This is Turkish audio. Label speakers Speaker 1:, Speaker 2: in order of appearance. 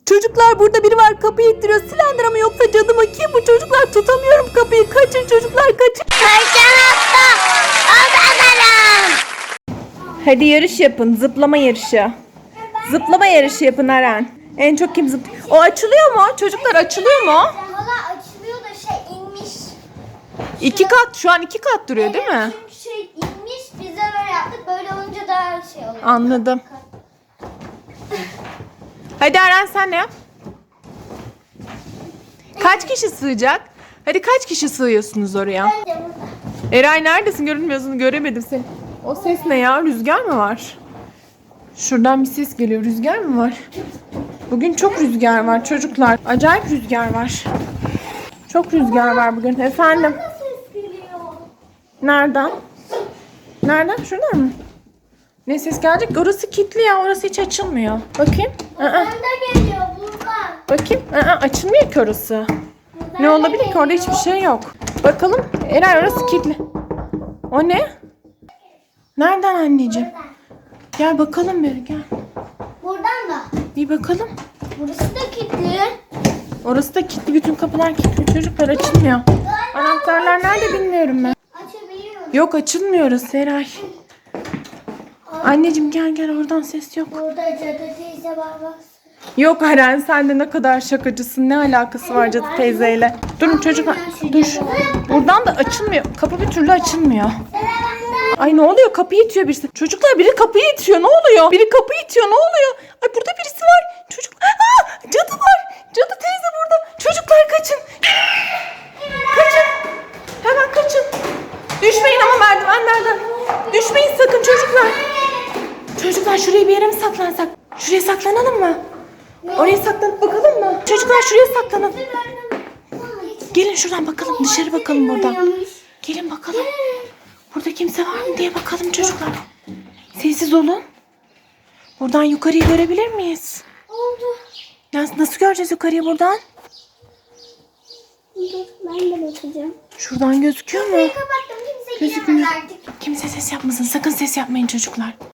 Speaker 1: Çocuklar burada biri var, kapıyı ittiriyor. Silendir mı yoksa cadı mı? Kim bu çocuklar? Tutamıyorum kapıyı. Kaçın çocuklar, kaçın. Hadi yarış yapın. Zıplama yarışı. Zıplama yarışı yapın Eren. En çok kim zıplıyor? O açılıyor mu? Çocuklar açılıyor mu?
Speaker 2: Valla açılıyor da inmiş.
Speaker 1: 2 kat. Şu an 2 kat duruyor değil mi?
Speaker 2: Çünkü inmiş, biz de böyle yaptık. Böyle olunca daha oluyor.
Speaker 1: Anladım. Hadi Eren sen ne yap? Kaç kişi sığacak? Hadi kaç kişi sığıyorsunuz oraya?
Speaker 2: Bence burada.
Speaker 1: Eray neredesin? Görünmüyorsun. Göremedim seni. O ses ne ya? Rüzgar mı var? Şuradan bir ses geliyor. Rüzgar mı var? Bugün çok rüzgar var çocuklar. Acayip rüzgar var. Çok rüzgar var bugün. Efendim?
Speaker 2: Ses geliyor.
Speaker 1: Nereden? Nereden? Şuradan mı? Ne ses gelecek? Orası kilitli ya. Orası hiç açılmıyor. Bakayım.
Speaker 2: Buradan da geliyor buradan.
Speaker 1: Bakayım. Açılmıyor ki orası.
Speaker 2: Buradan
Speaker 1: Ne
Speaker 2: da
Speaker 1: olabilir ki? Orada
Speaker 2: geliyor.
Speaker 1: hiçbir şey yok. Bakalım. Eray orası kilitli. O ne? Nereden anneciğim?
Speaker 2: Buradan.
Speaker 1: Gel bakalım bir gel.
Speaker 2: Buradan da.
Speaker 1: Bir bakalım.
Speaker 2: Burası da kilitli.
Speaker 1: Orası da kilitli. Bütün kapılar kilitli. Çocuklar açılmıyor. Anahtarlar nerede bilmiyorum ben.
Speaker 2: Açabiliyorum.
Speaker 1: Yok açılmıyor orası Eray. Anneciğim gel oradan ses yok.
Speaker 2: Burada cadı teyze var bak.
Speaker 1: Yok Eren sen de ne kadar şakacısın. Ne alakası var cadı teyzeyle? Durun çocuklar. Dur. Buradan da açılmıyor. Kapı bir türlü açılmıyor. Ay ne oluyor? Kapıyı itiyor birisi. Çocuklar biri kapıyı itiyor. Ne oluyor? Biri kapıyı itiyor. Ne oluyor? Ay burada birisi var. Çocuk. Cadı var. Cadı teyze burada. Çocuklar kaçın. Kaçın. Hemen kaçın. Düşmeyin ama merdivenlerden. Düşmeyin sakın çocuklar. Çocuklar şuraya bir yere mi saklansak? Şuraya saklanalım mı? Oraya saklanıp bakalım mı? Çocuklar şuraya saklanalım. Gelin şuradan bakalım. Dışarı bakalım buradan. Gelin bakalım. Burada kimse var mı diye bakalım çocuklar. Sessiz olun. Buradan yukarıyı görebilir miyiz?
Speaker 2: Oldu.
Speaker 1: Nasıl göreceğiz yukarıyı buradan?
Speaker 2: Dur, ben de bakacağım.
Speaker 1: Şuradan gözüküyor mu?
Speaker 2: Kapattım, kimse
Speaker 1: Gözükmüyor.
Speaker 2: giremez artık.
Speaker 1: Kimse ses yapmasın. Sakın ses yapmayın çocuklar.